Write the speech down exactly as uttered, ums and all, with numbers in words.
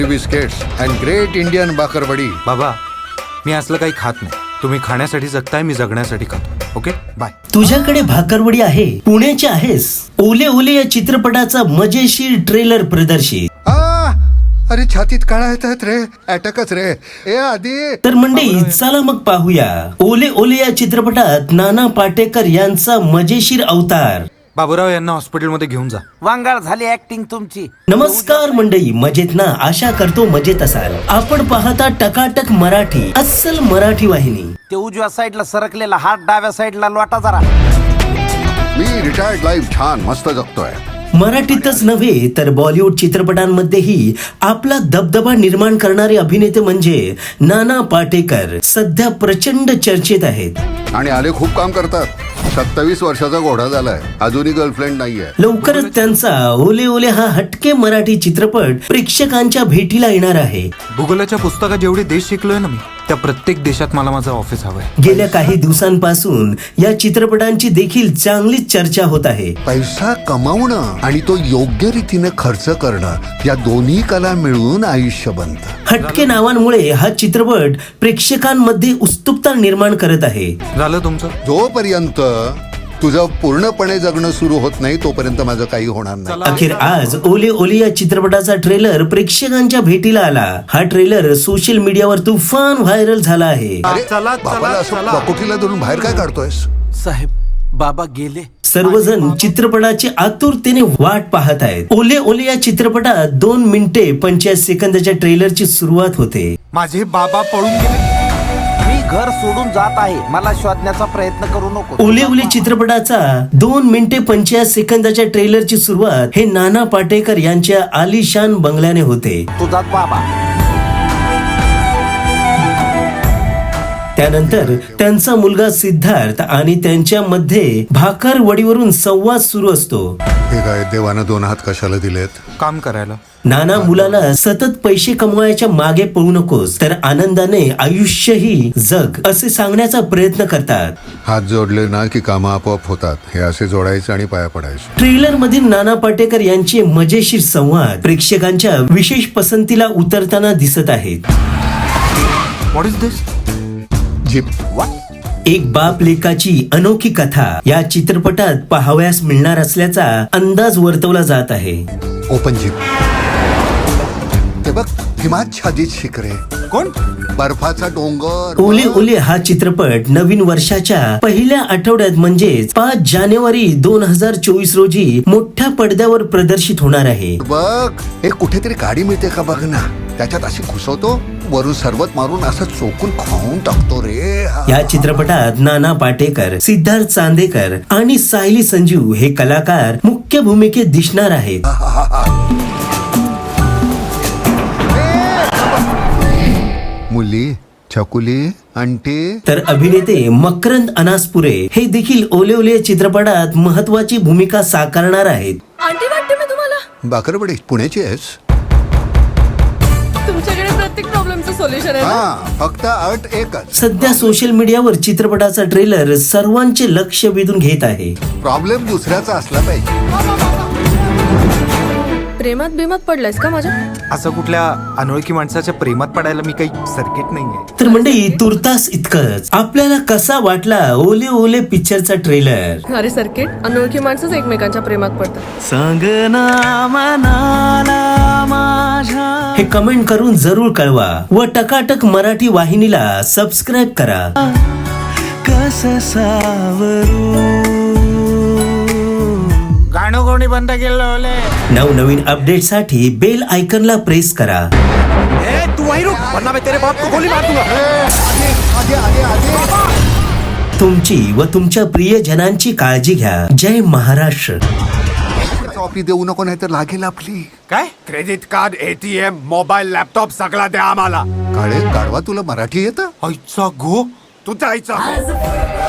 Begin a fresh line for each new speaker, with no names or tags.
Biscuits and great Indian bakarwadi.
बाबा मी असलं काही खात नाही. तुम्ही खाण्यासाठी जगताय, मी जगण्यासाठी खातो. Okay bye.
तुझ्याकडे भाकरवडी आहे, पुण्याचे आहेस. ओले ओले या चित्रपटाचा मजेशीर ट्रेलर प्रदर्शित.
आ, अरे छातीत काळा येतात रे, अटॅकच रे. ए आधी
तर मंडळी चला मग पाहूया ओले ओले या चित्रपटात नाना पाटेकर यांचा मजेशीर अवतार.
बाबूराव यांना हॉस्पिटलमध्ये घेऊन जा.
वांगाळ झाली ऍक्टिंग तुमची.
नमस्कार मंडळी, मजेत ना? आशा करतो मजेत असाल. आपण पाहता टकाटक मराठी, अस्सल मराठी वाहिनी.
ते उजव्या साईडला सरकलेला हात डाव्या साईडला लोटा जरा.
मी रिटायर्ड लाईफ छान मस्त जगतोय.
मराठीतच नव्हे तर बॉलिवूड चित्रपटांमध्येही आपला दबदबा निर्माण करणारे अभिनेते म्हणजे नाना पाटेकर सध्या प्रचंड चर्चेत आहेत.
आणि आले खूप काम करतात. सत्तावीस वर्षाचा घोडा झालाय, अजूनही गर्लफ्रेंड नाहीये.
लवकरच त्यांचा ओले ओले हा हटके मराठी चित्रपट प्रेक्षकांच्या भेटीला येणार आहे.
भूगोलाच्या पुस्तकात जेवढे देश शिकलोय ना मी, त्या प्रत्येक देशात मला माझं ऑफिस हवंय.
गेल्या काही दिवसांपासून या चित्रपटांची देखील चांगलीच चर्चा होत आहे.
पैसा कमावणं आणि तो योग्य रीतीने खर्च करणं, या दोन्ही कला मिळून आयुष्य बनतं.
हटके नावांमुळे हा चित्रपट प्रेक्षकांमध्ये उत्सुकता निर्माण करत आहे.
झालं तुमचं?
जोपर्यंत तुझं पूर्णपणे जगणं सुरू होत नाही तोपर्यंत माझं काही होणार नाही.
अखेर आज ओले ओले या चित्रपटाचा ट्रेलर प्रेक्षकांच्या भेटीला आला. हा ट्रेलर सोशल मीडियावर तुफान व्हायरल झाला आहे.
अरे
चला,
बाबाला असं
चला.
बकोटीला धरून बाहेर काय काढतोयस?
साहेब बाबा गेले.
सर्वजण चित्रपटाची आतुरतेने वाट पाहत आहेत. ओले ओले या चित्रपटात दोन मिनिटे पंचेचाळीस सेकंदाच्या ट्रेलरची सुरुवात होते.
माझे बाबा पळून गेले.
मी घर सोडून जात आहे, मला शोधण्याचा प्रयत्न करू नको.
ओले ओले चित्रपटाचा दोन मिनिटे पंचेचाळीस सेकंदाच्या ट्रेलरची सुरुवात हे नाना पाटेकर यांच्या आलिशान बंगल्याने होते.
तुझाच बाबा.
त्यानंतर त्यांचा मुलगा सिद्धार्थ आणि त्यांच्यामध्ये भाकरवडीवरून संवाद सुरू असतो.
हे काय देवानं दोन हात कशाला दिलेत?
काम करायला.
नाना मुलाला सतत पैसे कमवायच्या मागे पळू नकोस, तर आनंदाने आयुष्यही जग असे सांगण्याचा प्रयत्न करतात.
हात जोडले ना की कामं आपोआप होतात, हे असे जोडायचे आणि पाया पडायचे.
ट्रेलर मधील नाना पाटेकर यांचे मजेशीर संवाद प्रेक्षकांच्या विशेष पसंतीला उतरताना दिसत आहेत.
What is this?
जीप.
एक बाप लेकाची अनोखी कथा या चित्रपटात पाहावयास मिळणार असल्याचा अंदाज वर्तवला जात आहे.
Open jeep. ते बघ, हिमाच्छादित शिखरे.
कोण?
बर्फाचा डोंगर.
ओले ओले हा चित्रपट नवीन वर्षाच्या पहिल्या आठवड्यात म्हणजेच पाच जानेवारी दोन हजार चोवीस रोजी मोठ्या पडद्यावर प्रदर्शित होणार आहे.
बघ, एक कुठेतरी गाडी मिळते का बघ ना, त्याच्यात अशी घुसवतो, वरून सरबत मारून असं चोकून खाऊन टाकतो रे.
या चित्रपटात नाना पाटेकर, सिद्धार्थ चांदेकर आणि सायली संजीव हे कलाकार मुख्य भूमिकेत दिसणार आहेत.
मुली, छकुली, आंटी.
तर अभिनेते मकरंद अनासपुरे हे देखील ओले ओले चित्रपटात महत्वाची भूमिका साकारणार आहेत.
आंटी वाटते मी तुम्हाला.
बाकरवडी पुण्याची आहेस?
तुमच्याकडे प्रत्येक प्रॉब्लेमचं सोल्युशन आहे ना?
हा, फक्त अट एकच.
सध्या सोशल मीडियावर चित्रपटाचा ट्रेलर सर्वांचे लक्ष वेधून घेत आहे.
प्रॉब्लेम दुसऱ्याचा असला पाहिजे.
प्रेमात बेमात पडलायस का माझ्या?
असं कुठल्या अनोळखी माणसाच्या प्रेमात पडायला मी काही सर्किट नाहीये.
तर मंडळी तुर्तास इतकंच. आपल्याला कसा वाटला ओले ओले पिक्चरचा ट्रेलर?
अरे सर्किट, अनोळखी माणसंच एकमेकांच्या प्रेमात पडतात.
हे कमेंट करून जरूर कळवा व टकाटक मराठी वाहिनीला सबस्क्राईब करा.
गाणं कोणी बंद केलं?
नवनवीन अपडेट साठी बेल आयकॉनला प्रेस करा.
तू वही रुक, वरना मैं तेरे बाप को गोली मार दूंगा.
आगे आगे आगे.
तुमची व तुमच्या प्रियजनांची काळजी घ्या. जय महाराष्ट्र.
कॉपी देऊ नको, नाही तर लागेल आपली.
काय? Credit card, ATM, mobile, laptop सगळा द्या आम्हाला.
काळे गाढवा, तुला मराठी येतं?
आईचा गो.
तू जायचं.